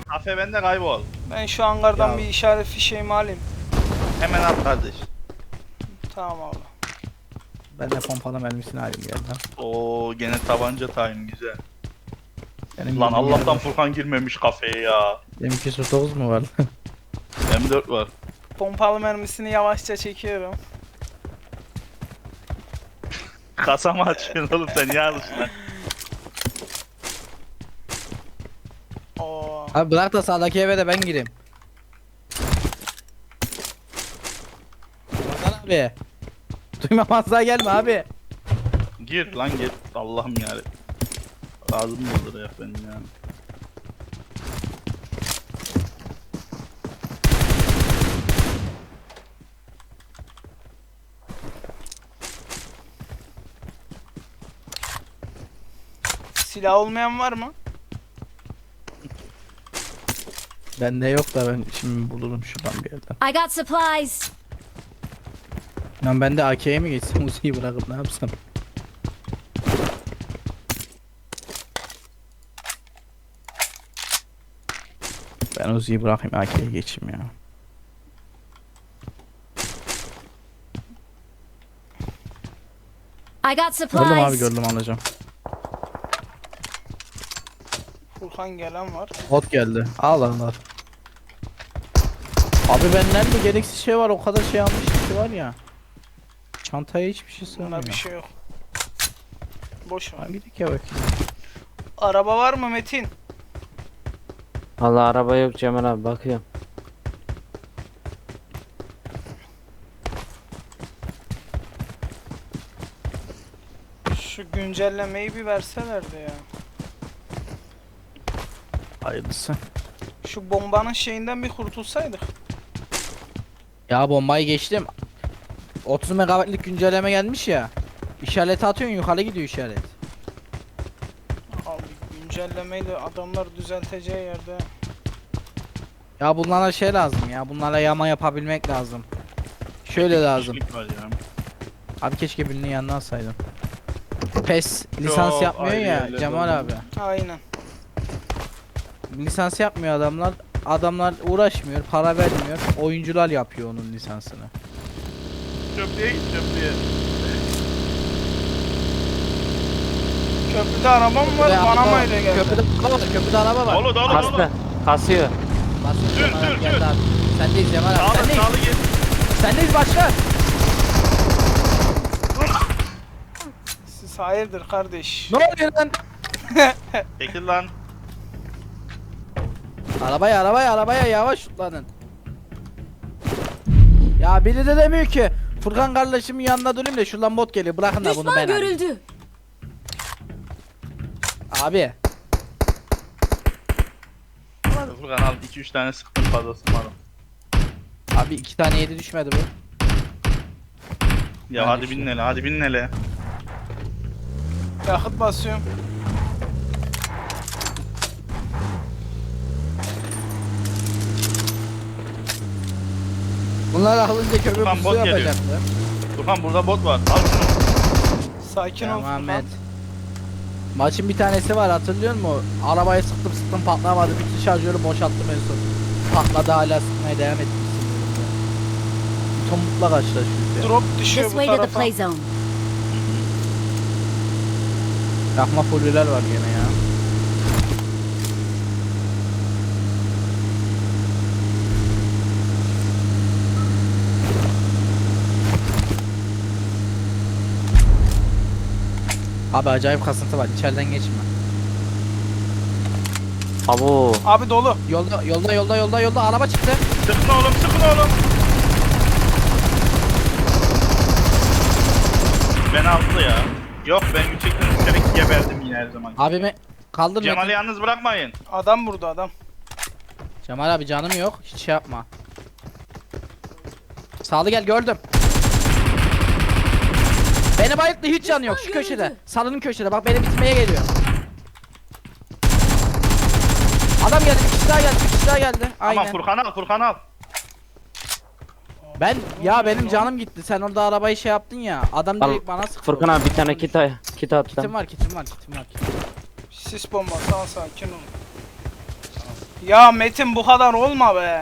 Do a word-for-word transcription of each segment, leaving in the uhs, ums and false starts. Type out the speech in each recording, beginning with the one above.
Kafe bende, kaybol. Ben şu hangardan Ya. bir işaret fişeğimi alayım. Hemen at kardeş. Tamam abi. Ben de pompalı mermisini alayım geldim. Oo gene tabanca time güzel. Benim Lan bildiğim Allah'tan yerde- Furkan girmemiş kafeye ya. Benim iki yüz dokuz mu var? M dört var. Pompalı mermisini yavaşça çekiyorum. Kasama açıyorsun oğlum sen ya alışın lan. Oo. Abi bırak da sağdaki eve de ben gireyim. Ramazan abi. Duymamazlığa gelme abi. Gir lan gir. Allah'ım yani. Ağzım dolduruyor benim yani. Silah olmayan var mı? Bende yok da ben şimdi bulurum şuradan bir yerden. I got supplies. Lan ben de A K'ye mi geçsem Uzi'yi bırakıp ne yapsam? Ben Uzi'yi bırakayım A K'ye geçeyim ya. I got Gördüm abi supplies. gördüm alacağım. Furkan gelen var. Bot geldi. Al al al. Abi ben nerede gereksiz şey var o kadar şey almışım ki var ya. Çantaya hiçbir şey Bunda sığmıyor. bir şey yok. Boş ver. Ha, gidelim ya bakayım. Araba var mı Metin? Vallahi araba yok Cemal abi, bakıyorum. Şu güncellemeyi bir verselerdi ya. Hayırlısı. Şu bombanın şeyinden bir kurtulsaydık. Ya bombayı geçtim. otuz megabaytlık güncelleme gelmiş ya. İşareti atıyorsun yukarı gidiyor işaret. Abi güncellemeyi de adamlar düzelteceği yerde. Ya bunlara şey lazım ya. Bunlara yama yapabilmek lazım. Şöyle lazım. Kişilik var ya. Abi keşke birinin yanına alsaydın. PES lisans Çok yapmıyor ayrı ya yerlerde Cemal oldu. abi. Aynen. Lisans yapmıyor adamlar. Adamlar uğraşmıyor, para vermiyor. Oyuncular yapıyor onun lisansını. Çöplüğe git çöplüğe. Köprüde araba mı var? Köprüde Bana araba- mı öyle geldi? Köprüde araba var, köprüde araba var. Dolu dolu Kastı, dolu. kasıyor. Basın Sür, Cemal abi, sür, geldi sür. abi. Sendeyiz Cemal abi. Sağlı Sendeyiz. sağlı git. Sendeyiz başla. Siz hayırdır kardeş? Ne oluyor lan? Çekil lan. Arabaya arabaya arabaya yavaş tutlanın. Ya biri de demiyor ki Furkan kardeşimin yanına durayım da şuradan bot geliyor bırakın da bunu Düşman ben alayım. görüldü. Abi Furkan al iki üç tane sıktım fazlası var. abi iki tane yedi düşmedi bu. Ya Ben hadi düştüm. bin hele hadi bin hele. Yakıt basıyorum. Bunlar alınca kömür Furkan, pusu bot geliyor. yapacaktı. Furkan burada bot var. Al şunu. Sakin ol Tamam Furkan. Ahmet. Maçın bir tanesi var hatırlıyor musun? Arabayı sıktım sıktım patlamadı. Bütün şarjörü boşalttım en son. Patladı hala sıkmaya devam ettim. Tomukla karşılaşıyoruz ya. Drop düşüyor This bu way to the tarafa. play zone. Yakma fullüler var gene ya. Abi acayip kasıntı var. İçeriden geçme. Abo. Abi dolu. Yolda yolda yolda yolda yolda araba çıktı. Sıkın oğlum sıkın oğlum. Ben aldı ya. Yok ben yüksekten üstelik geberdim yine her zaman. Abimi kaldır Cemal'i Metin. yalnız bırakmayın. Adam burada adam. Cemal abi canım yok. Hiç şey yapma. Sağlı gel gördüm. Beni bayılttı hiç canı yok şu Düşman köşede. görüldü. Salının köşede bak beni bitirmeye geliyor. Adam geldi bir kişi daha geldi bir kişi daha geldi. Aynen. Aman Furkan al Furkan al. Ben ya benim canım gitti. Sen orada arabayı şey yaptın ya. Adam Al, direkt bana sıktı. Furkan abi bir tane kit, ay- kit attım. Kitim var kitim var kitim var. Kitim. Sis bombası al sakin ol. Ya Metin bu kadar olma be.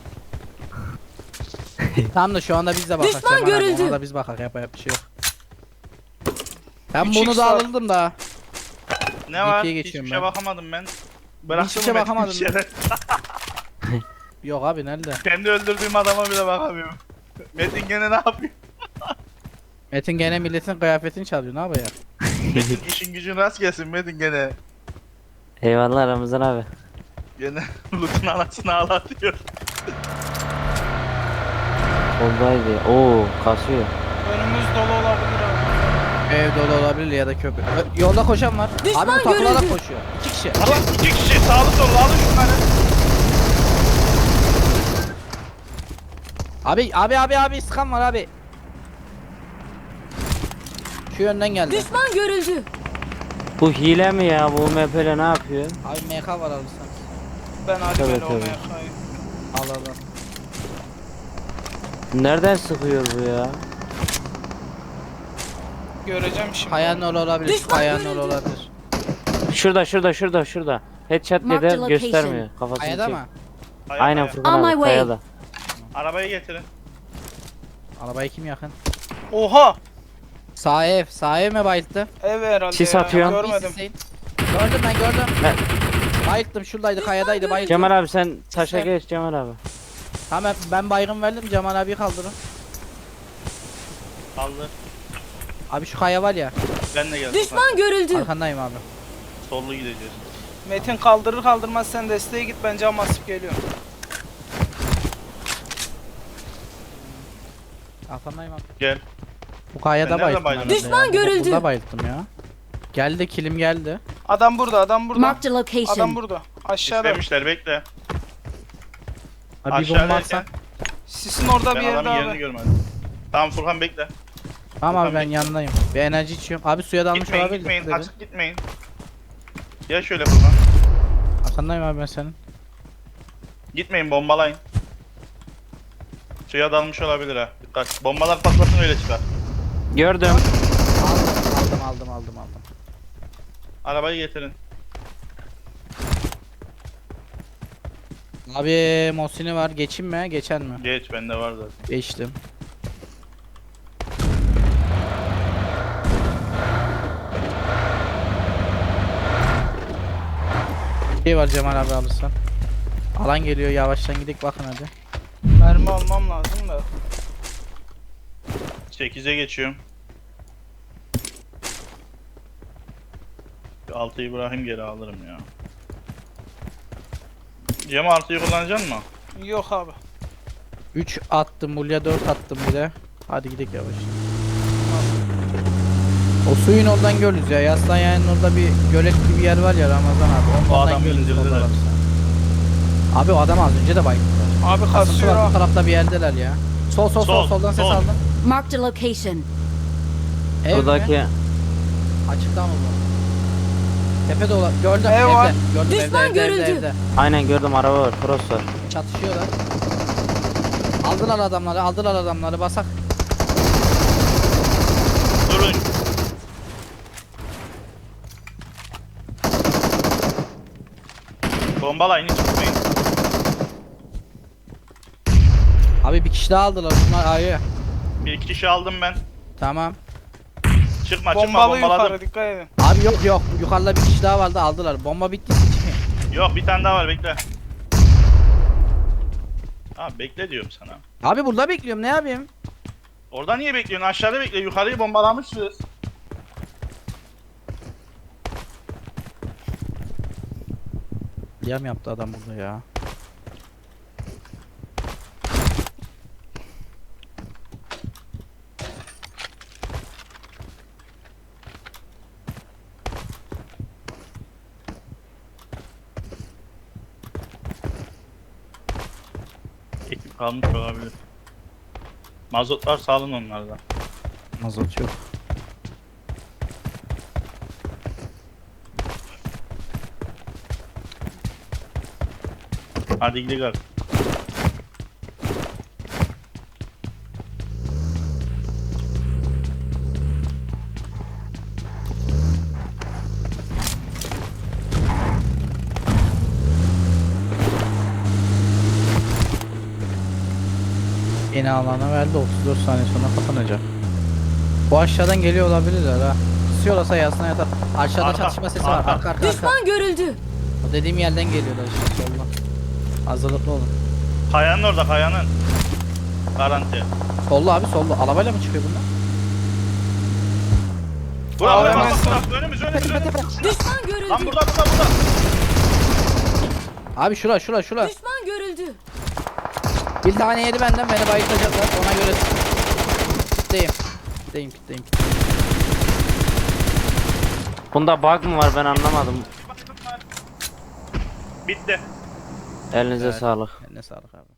Tamam da şu anda biz de bakak. Düşman Cemal abi, görüldü. ona da biz bakak, yap yap bir şey yok. Ben Üç bunu x da var. alırdım da. Ne var? ikiye Hiçbir geçiyorum şeye ben. bakamadım ben. Bıraktım Hiçbir şeye Metin bakamadım bir şeyler. Yok abi nerede? Kendi öldürdüğüm adama bile bakamıyorum. Metin gene ne yapıyor? Metin gene milletin kıyafetini çalıyor, ne yapıyor? Metin işin gücün rast gelsin Metin gene. Eyvallah Ramazan abi. Gene loot'un anasını ağlatıyor. Oradaydı. Oo kasıyor. Önümüz dolu olabilir abi. Ev dolu olabilir ya da köprü. Ö, Yolda koşan var. Düşman abi bu takılarak görüldü. koşuyor. İki kişi. Alın iki kişi sağlı sollu alın şunları. Abi abi abi abi sıkan var abi. Şu yönden geldi. Düşman görüldü. Bu hile mi ya? Bu M P ile ne yapıyor? Abi M K var alırsan. Ben hadi Tabii, böyle tabii. olmaya kayayım. Al al al. Nereden sıkıyor bu ya? Göreceğim şimdi. Kayanın oğlu olabilir. Şu Düşman kayanın görüldü. oğlu olabilir. Şurada şurada şurada şurada. Headshot Marked yedi location. göstermiyor. Kafasını Kayada çek. mı? Hayır, Aynen hayır. Furkan On my abi way. kayada. Arabayı getirin. Arabayı kim yakın? Oha. Sağ ev. Sağ ev mi bayılttı? Ev herhalde Sis ya. atıyor. Görmedim. Hüseyin. Gördüm ben gördüm. Ben- Bayılttım şuradaydı, kayadaydı bayılttım. Cemal abi sen taşa İşte. geç Cemal abi. Tamam ben baygın verdim, Cemal abi kaldırın. Kaldı. Abi şu kaya var ya, Ben de geldim. Düşman görüldü. arkandayım abi. Sollu gideceğiz. Metin kaldırır kaldırmaz sen desteğe git, ben cam basıp geliyorum. Arkandayım abi. Gel. Bu kayada Ben nerede bayılttım. bayıldım? herhalde Düşman ya. görüldü. Burada bayılttım ya. Geldi, kilim geldi. Adam burada, adam burada. Marked a Adam location. burada. Aşağıda. İstemişler bekle. Abi bir Aşağıda bomba derken, atsan. Sisin orada bir ben yerde adamın yerini abi. görmedim. Tamam Furkan bekle. Tamam abi Furkan ben bekle. yanındayım. Bir enerji içiyorum. Abi suya dalmış Gitmeyin olabilir. gitmeyin Dedi. açık gitmeyin. Gel şöyle Furkan. Arkandayım abi ben senin. Gitmeyin bombalayın. Suya dalmış olabilir ha. Dikkat. Bombalar patlasın öyle çıkar. Gördüm. Aldım aldım aldım aldım. Arabayı getirin. Abi Mosin'i var, geçeyim mi? Geçen mi? Geç bende var zaten. Geçtim. Şey var Cemal abi alırsan. Alan geliyor, yavaştan gidelim bakın hadi. Mermi almam lazım da. sekize geçiyorum. altıyı bırakayım geri alırım ya. Cem altıyı kullanacaksın mı? Yok abi. üç attım, buraya dört attım bir de. Hadi gidelim yavaş. O suyun oradan görürüz ya. Yaslan yayının orada bir gölet gibi bir yer var ya Ramazan abi. O Ondan adamı görürüz indirdiler. oradan alırsan. Abi o adam az önce de bayıldılar. Abi kasıyor Kasıntılar bu ha. tarafta bir yerdeler ya. Sol sol sol, Sol, soldan ses sol. aldım. Marked a location. Ev Buradaki mi? Açıkta mı bu? Tepede olan. Gördüm Ev evde. var. Gördüm Düşman evde, evde, evde, görüldü. evde. aynen gördüm araba var. Cross var. Çatışıyorlar. Aldılar adamları, aldılar adamları. Basak. Durun. Bombalayın hiç gitmeyin. Abi bir kişi daha aldılar. Bunlar ayı. Bir iki kişi aldım ben. Tamam. Çıkma çıkma Bombalı bombaladım. yukarı, dikkat edin. Abi yok yok. Yukarıda bir kişi daha vardı, aldılar. Bomba bitti. Çıkmayın. Yok bir tane daha var bekle. Abi bekle diyorum sana. Abi burada bekliyorum. Ne yapayım? Orada niye bekliyorsun? Aşağıda bekle. Yukarıyı bombalamışız. Yam yaptı adam burada ya. Ekip kalmış olabilir. Mazotlar sağlın onlardan. Mazot yok. Hadi gidelim artık. Yeni alana verdi, otuz dört saniye sonra kapanacak. Bu aşağıdan geliyor olabilirler ha. Kısıyorlarsa yasına yatar. Aşağıda Arka, çatışma sesi arka. var. Arka arka arka. Düşman görüldü. O dediğim yerden geliyorlar işte solda. Hazırlıklı olun. Kayanın orada kayanın. Garanti. Solda abi solda. Arabayla mı çıkıyor bunlar? Bura Abi bura hemen bak sağ- bak önümüz önümüz önümüz. Düşman görüldü. Lan burada burada burada. Abi şura şura şura. Düşman görüldü. Bir tane yedi benden, beni bayıltacaklar. Ona göre kitleyim. Kitleyim kitleyim. Bunda bug mı var ben anlamadım. Bitti. Elinize Evet. sağlık. Eline sağlık abi.